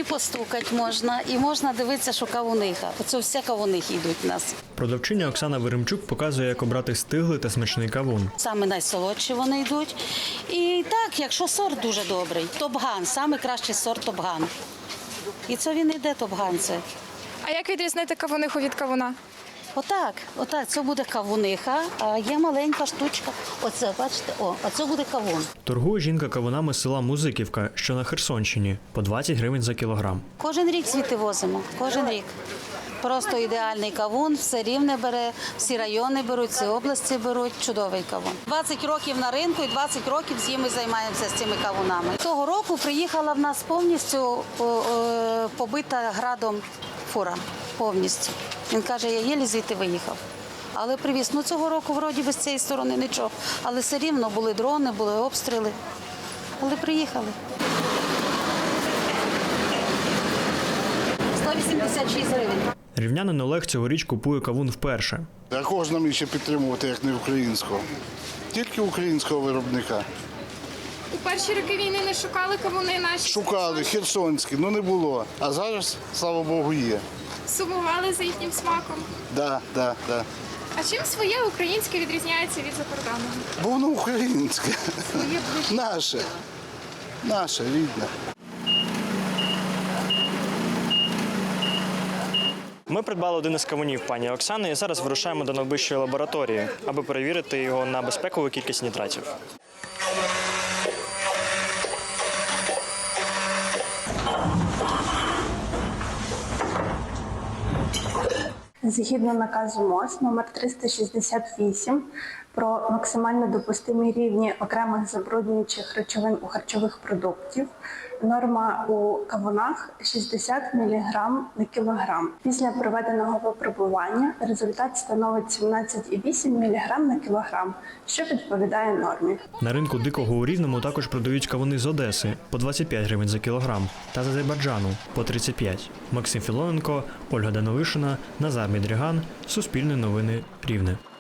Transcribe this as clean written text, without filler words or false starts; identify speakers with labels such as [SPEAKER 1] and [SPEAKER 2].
[SPEAKER 1] і постукати можна, і можна дивитися, що кавуниха. Оце все кавунихи йдуть у нас.
[SPEAKER 2] Продавчиня Оксана Веремчук показує, як обрати стиглий та смачний кавун.
[SPEAKER 1] Саме найсолодші вони йдуть. І так, якщо сорт дуже добрий, топган, саме кращий сорт топган. І це він йде топган це.
[SPEAKER 3] А як відрізнити кавуниху від кавуна?
[SPEAKER 1] Отак, це буде кавуниха, а є маленька штучка. Оце, бачите, оце буде кавун.
[SPEAKER 2] Торгує жінка кавунами з села Музиківка, що на Херсонщині, по 20 гривень за кілограм.
[SPEAKER 1] Кожен рік звідти возимо, кожен рік. Просто ідеальний кавун, все Рівне бере, всі райони беруть, всі області беруть, чудовий кавун. 20 років на ринку і 20 років ми займаємося з цими кавунами. Того року приїхала в нас повністю побита градом фура, повністю. Він каже, я єлі звідти виїхав. Але привіз. Цього року вроді без цієї сторони нічого. Але все рівно були дрони, були обстріли. Але приїхали. 186 гривень.
[SPEAKER 2] Рівнянин Олег цьогоріч купує кавун вперше.
[SPEAKER 4] А кого ж нам іще підтримувати, як не українського? Тільки українського виробника.
[SPEAKER 3] У перші роки війни не шукали кавуни наші?
[SPEAKER 4] Шукали, херсонські, не було. А зараз, слава Богу, є.
[SPEAKER 3] Сумували за їхнім смаком?
[SPEAKER 4] Да.
[SPEAKER 3] А чим своє українське відрізняється від закордонного?
[SPEAKER 4] Бо воно українське.
[SPEAKER 3] Своє ближче.
[SPEAKER 4] Наше, рідне.
[SPEAKER 2] Ми придбали один із кавунів пані Оксани і зараз вирушаємо до найближчої лабораторії, аби перевірити його на безпекову кількість нітратів.
[SPEAKER 5] Згідно наказу МОЗ номер 368 про максимально допустимі рівні окремих забруднюючих речовин у харчових продуктів, норма у кавунах 60 мг на кілограм. Після проведеного випробування результат становить 17,8 мг на кілограм, що відповідає нормі.
[SPEAKER 2] На ринку Дикого у Рівному також продають кавуни з Одеси по 25 гривень за кілограм та з Азербайджану по 35. Максим Філоненко, Ольга Данилишина, Назар Мідріган, Суспільне новини Рівне.